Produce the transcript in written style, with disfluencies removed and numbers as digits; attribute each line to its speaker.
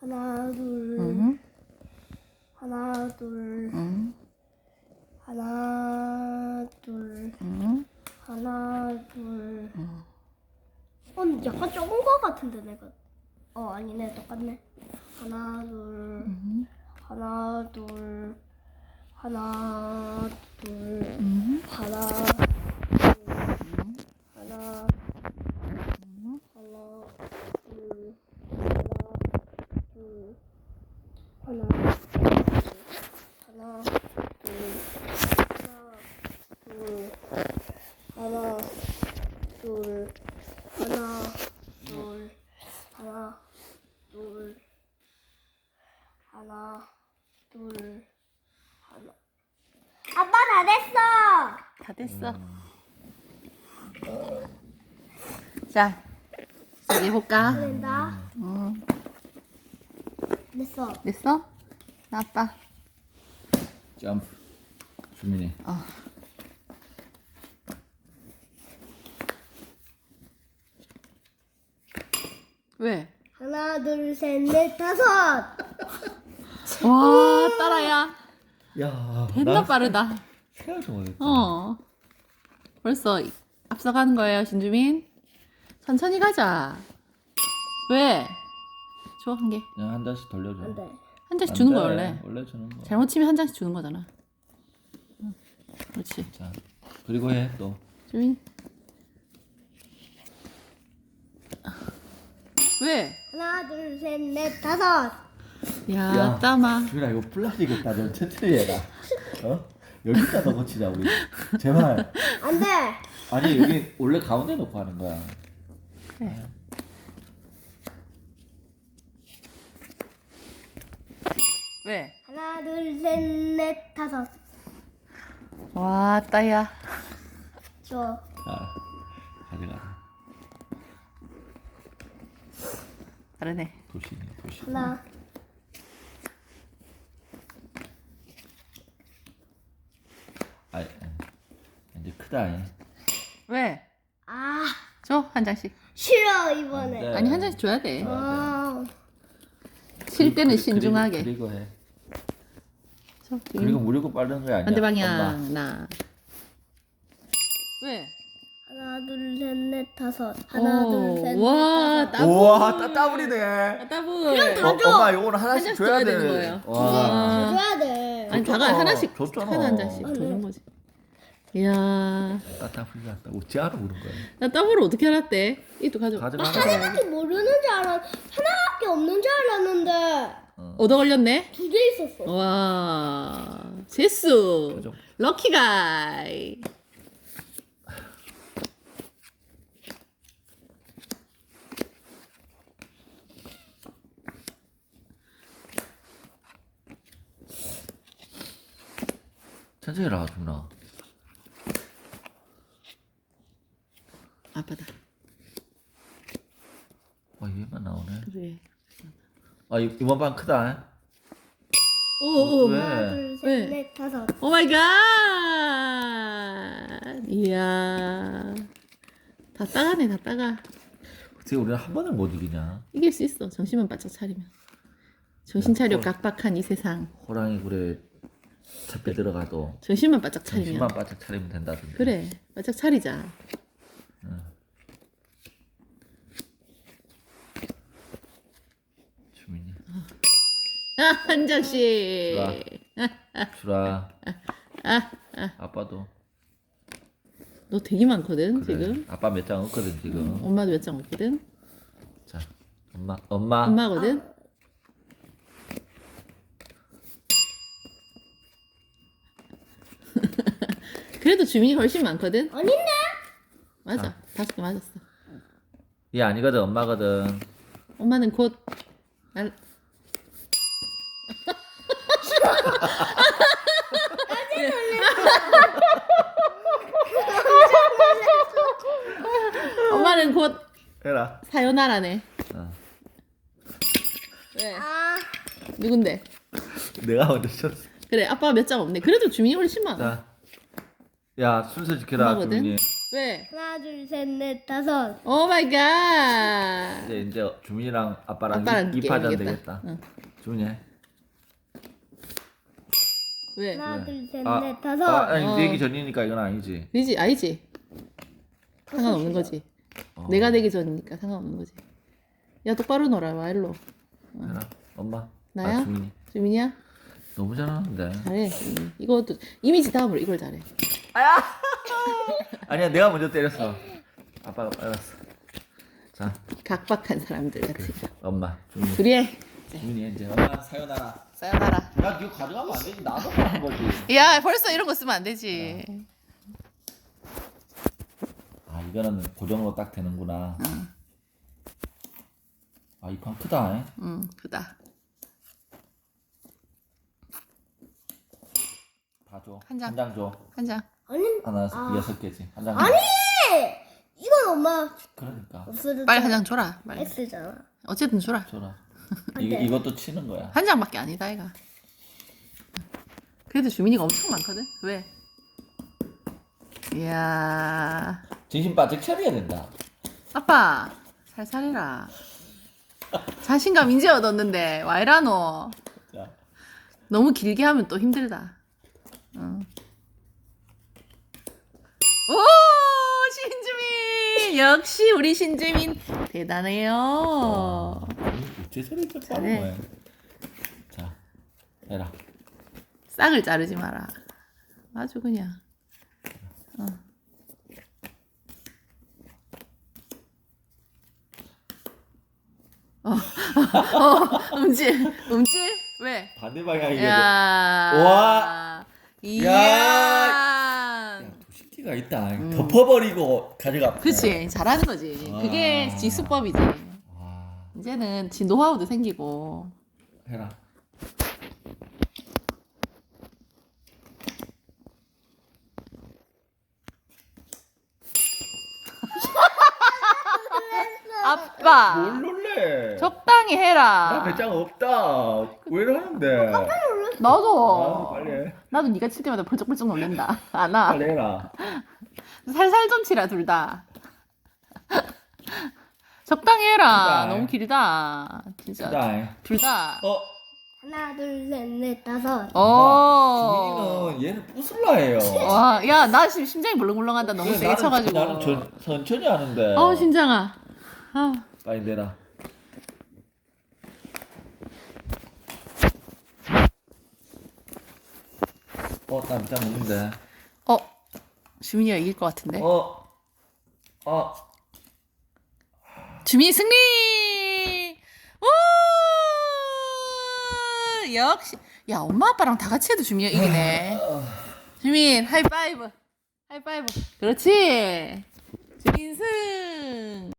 Speaker 1: 하나, 둘.
Speaker 2: 응.
Speaker 1: 하나, 둘.
Speaker 2: 응.
Speaker 1: 하나, 둘.
Speaker 2: 응.
Speaker 1: 하나, 둘.
Speaker 2: 응.
Speaker 1: 약간 적은 거 같은데 내가. 아니네, 똑같네. 하나, 둘.
Speaker 2: 응.
Speaker 1: 하나, 둘. 하나, 둘.
Speaker 2: 응.
Speaker 1: 하나, 둘. 하나,
Speaker 2: 응.
Speaker 1: 하나, 둘. 하나, 하나, 둘. 하나, 둘. 하나, 둘. 하나, 둘. 하나, 둘. 하나. 아빠 다 됐어.
Speaker 2: 다 됐어. 자, 여기 해볼까?
Speaker 1: 된다.
Speaker 2: 응.
Speaker 1: 됐어.
Speaker 2: 됐어? 나 아빠.
Speaker 3: 점프. 주민이.
Speaker 2: 왜?
Speaker 1: 하나, 둘, 셋, 넷, 다섯.
Speaker 2: 와, 딸아야.
Speaker 3: 야.
Speaker 2: 됐나 빠르다.
Speaker 3: 생각도 못했다.
Speaker 2: 벌써 앞서가는 거예요, 신주민. 천천히 가자. 왜? 줘, 한 개.
Speaker 3: 그냥 한 잔씩 돌려줘.
Speaker 1: 안 돼.
Speaker 2: 한 장씩
Speaker 3: 안
Speaker 2: 주는
Speaker 3: 돼.
Speaker 2: 거야, 원래.
Speaker 3: 원래 주는 거.
Speaker 2: 잘못 치면 한 장씩 주는 거잖아. 응. 그렇지.
Speaker 3: 자, 그리고 해 또.
Speaker 2: 주민. 왜?
Speaker 1: 하나, 둘, 셋, 넷, 다섯.
Speaker 2: 야, 따마.
Speaker 3: 주민아 이거 플라스틱이다. 좀 천천히 해라. 여기다 넣고 치자 우리. 제발.
Speaker 1: 안 돼.
Speaker 3: 아니 여기 원래 가운데 놓고 하는 거야.
Speaker 2: 그래. 왜?
Speaker 1: 하나, 둘, 셋, 넷, 다섯.
Speaker 2: 와, 따야.
Speaker 1: 줘.
Speaker 3: 가져가.
Speaker 2: 다르네.
Speaker 3: 도시네 도시.
Speaker 1: 하나.
Speaker 3: 이제 크다.
Speaker 2: 왜?
Speaker 1: 아,
Speaker 2: 줘, 한 장씩.
Speaker 1: 싫어 이번에.
Speaker 3: 안 돼.
Speaker 2: 아니, 한 장씩 줘야 돼.
Speaker 1: 아,
Speaker 2: 칠 때는
Speaker 3: 그리고-
Speaker 2: 신중하게.
Speaker 3: 그리고 해.
Speaker 2: 줘,
Speaker 3: 그리고 무리고 빠르는 거 아니야.
Speaker 2: 반대 방향.
Speaker 3: 엄마.
Speaker 2: 나. 왜?
Speaker 1: 하나, 둘, 셋, 넷, 다섯. 하나, 둘, 셋, 넷,
Speaker 2: 와,
Speaker 1: 다섯.
Speaker 2: 따블.
Speaker 3: 우와 따블이네.
Speaker 2: 따블.
Speaker 1: 다 줘.
Speaker 3: 엄마 이거는 하나씩
Speaker 2: 하나씩
Speaker 3: 줘야
Speaker 2: 줘야
Speaker 3: 돼.
Speaker 2: 되는 거예요.
Speaker 3: 와.
Speaker 1: 줘야 돼.
Speaker 2: 아니, 다가
Speaker 3: 줬잖아.
Speaker 2: 하나씩.
Speaker 3: 줬잖아.
Speaker 2: 하나 한 장씩
Speaker 1: 아,
Speaker 2: 주는 거지. 이야.
Speaker 3: 따블이 났다. 어찌 알아 그런 거야.
Speaker 2: 나 따블을 어떻게 알았대? 이도 가져.
Speaker 3: 가져가.
Speaker 1: 하나밖에 모르는 줄 하나밖에 없는 줄 알았는데
Speaker 2: 얻어 걸렸네?
Speaker 1: 두 개 있었어.
Speaker 2: 와. 제수.
Speaker 3: 가져.
Speaker 2: 럭키 가이.
Speaker 3: 천천히 해라 주민아.
Speaker 2: 아빠다.
Speaker 3: 얘만 나오네.
Speaker 2: 그래.
Speaker 3: 이번 판 크다.
Speaker 2: 오오.
Speaker 3: 왜?
Speaker 1: 하나, 둘, 셋,
Speaker 2: 왜?
Speaker 1: 넷, 다섯.
Speaker 2: 오 마이 갓. 이야. 다 따가네, 다 따가.
Speaker 3: 어떻게 우리는 한 번을 못 이기냐?
Speaker 2: 이길 수 있어. 정신만 바짝 차리면. 정신 차려 각박한 이 세상.
Speaker 3: 호랑이 굴에 잡혀 들어가도
Speaker 2: 정신만 바짝 차리면.
Speaker 3: 정신만 바짝 차리면 된다던데.
Speaker 2: 그래. 바짝 차리자.
Speaker 3: 주민이.
Speaker 2: 한 장씩.
Speaker 3: 주라. 아빠도.
Speaker 2: 너 되게 많거든,
Speaker 3: 그래.
Speaker 2: 지금.
Speaker 3: 아빠 몇 장 없거든 지금.
Speaker 2: 엄마도 몇 장 없거든.
Speaker 3: 자, 엄마.
Speaker 2: 엄마거든. 그래도 주민이 훨씬 많거든.
Speaker 1: 아닌데?
Speaker 2: 맞아. 5개 맞았어.
Speaker 3: 얘 아니거든 엄마거든.
Speaker 2: 엄마는 곧 날. 엄마는 곧
Speaker 3: 해라.
Speaker 2: 사요나라네. 왜?
Speaker 1: 아,
Speaker 2: 누군데?
Speaker 3: 내가 먼저 쳤어.
Speaker 2: 그래, 아빠가 몇 장 없네. 그래도 주민이 훨씬 많아.
Speaker 3: 자, 야 순서 지켜라
Speaker 2: 엄마거든?
Speaker 3: 주민이.
Speaker 2: 왜?
Speaker 1: 하나, 둘, 셋, 넷, 다섯.
Speaker 2: 오 마이 갓.
Speaker 3: 이제 주민이랑 아빠랑
Speaker 2: 아빠랑
Speaker 3: 입하자
Speaker 2: 게임이겠다.
Speaker 3: 되겠다.
Speaker 2: 응.
Speaker 3: 주민이 해.
Speaker 2: 왜?
Speaker 1: 하나,
Speaker 3: 왜?
Speaker 1: 둘, 셋,
Speaker 3: 아,
Speaker 1: 넷, 다섯.
Speaker 3: 아니
Speaker 2: 어.
Speaker 3: 내기 전이니까 이건 아니지.
Speaker 2: 아니지, 아니지. 상관없는 거지.
Speaker 3: 어.
Speaker 2: 내가 되기 전이니까 상관없는 거지. 야, 똑바로 놀아. 와, 일로.
Speaker 3: 해라. 엄마.
Speaker 2: 나야?
Speaker 3: 아, 주민이.
Speaker 2: 주민이야?
Speaker 3: 너무 잘하는데.
Speaker 2: 잘해. 이것도 이미지 다음으로 이걸 잘해.
Speaker 3: 아니야 내가 먼저 때렸어. 아빠가 빨랐어. 자
Speaker 2: 각박한 사람들 같이.
Speaker 3: 엄마 주민이.
Speaker 2: 둘이 해.
Speaker 3: 주민이 이제 엄마 사요나라.
Speaker 2: 사연하라.
Speaker 3: 야 이거 가져가면 안 되지. 나도 하는 거지.
Speaker 2: 야, 벌써 이런 거 쓰면 안 되지.
Speaker 3: 아 이거는 고정으로 딱 되는구나.
Speaker 2: 응.
Speaker 3: 아 이 판 크다. 에?
Speaker 2: 응, 크다.
Speaker 3: 다 줘.
Speaker 2: 한 장.
Speaker 3: 한 장 줘.
Speaker 2: 한 장.
Speaker 1: 아니,
Speaker 3: 하나
Speaker 1: 아.
Speaker 3: 6개지. 한 장.
Speaker 1: 아니! 이건 엄마
Speaker 3: 그러니까
Speaker 1: 없어도
Speaker 2: 빨리 한 장 줘라. 빨리.
Speaker 1: X잖아.
Speaker 2: 어쨌든 줘라.
Speaker 3: 줘라.
Speaker 1: 안
Speaker 3: 이거
Speaker 1: 돼.
Speaker 3: 이것도 치는 거야.
Speaker 2: 한 장밖에 아니다, 이가. 그래도 주민이가 엄청 많거든. 왜? 이야.
Speaker 3: 진심 바짝 차려야 된다.
Speaker 2: 아빠, 살살해라. 자신감 이제 얻었는데 와 이라노.
Speaker 3: 자.
Speaker 2: 너무 길게 하면 또 힘들다. 응. 오, 신주민 역시 우리 신주민 대단해요.
Speaker 3: 어째 저리 좀
Speaker 2: 잘해.
Speaker 3: 빠른 거야. 자, 해라.
Speaker 2: 싹을 자르지 마라. 아주 그냥. 어. 음질. 왜?
Speaker 3: 반대 방향이게.
Speaker 2: 야.
Speaker 3: 와.
Speaker 2: 이야.
Speaker 3: 야, 도식기가 있다. 덮어버리고 가져가.
Speaker 2: 그렇지. 잘하는 거지. 그게
Speaker 3: 아.
Speaker 2: 지수법이지.
Speaker 3: 와,
Speaker 2: 이제는 지 노하우도 생기고.
Speaker 3: 해라.
Speaker 2: 아빠.
Speaker 3: 뭘 놀래?
Speaker 2: 적당히
Speaker 3: 나
Speaker 2: 해라.
Speaker 3: 배짱 없다. 왜 이러는데?
Speaker 2: 나도.
Speaker 3: 빨리 해.
Speaker 2: 나도 네가 칠 때마다 벌쩍벌쩍 놀랜다. 안 와.
Speaker 3: 빨리 해라.
Speaker 2: 살살 좀 치라 둘 다. 적당히 해라.
Speaker 3: 크다.
Speaker 2: 너무 길다. 진짜.
Speaker 3: 크다.
Speaker 2: 둘 다.
Speaker 1: 하나, 둘, 셋, 넷, 다섯.
Speaker 2: 어.
Speaker 3: 주민이는 얘는 부술라 해요.
Speaker 2: 와, 야, 나 지금 심장이 벌렁벌렁한다. 너무
Speaker 3: 그래,
Speaker 2: 세게 쳐가지고.
Speaker 3: 나는 천천히 하는데.
Speaker 2: 신장아. 아.
Speaker 3: 빨리 내라. 나 밑장 먹는데.
Speaker 2: 주민이가 이길 것 같은데.
Speaker 3: 어.
Speaker 2: 주민 승리! 오! 역시. 야, 엄마 아빠랑 다 같이 해도 주민이가 이기네. 주민, 하이파이브. 하이파이브. 그렇지. 주민 승.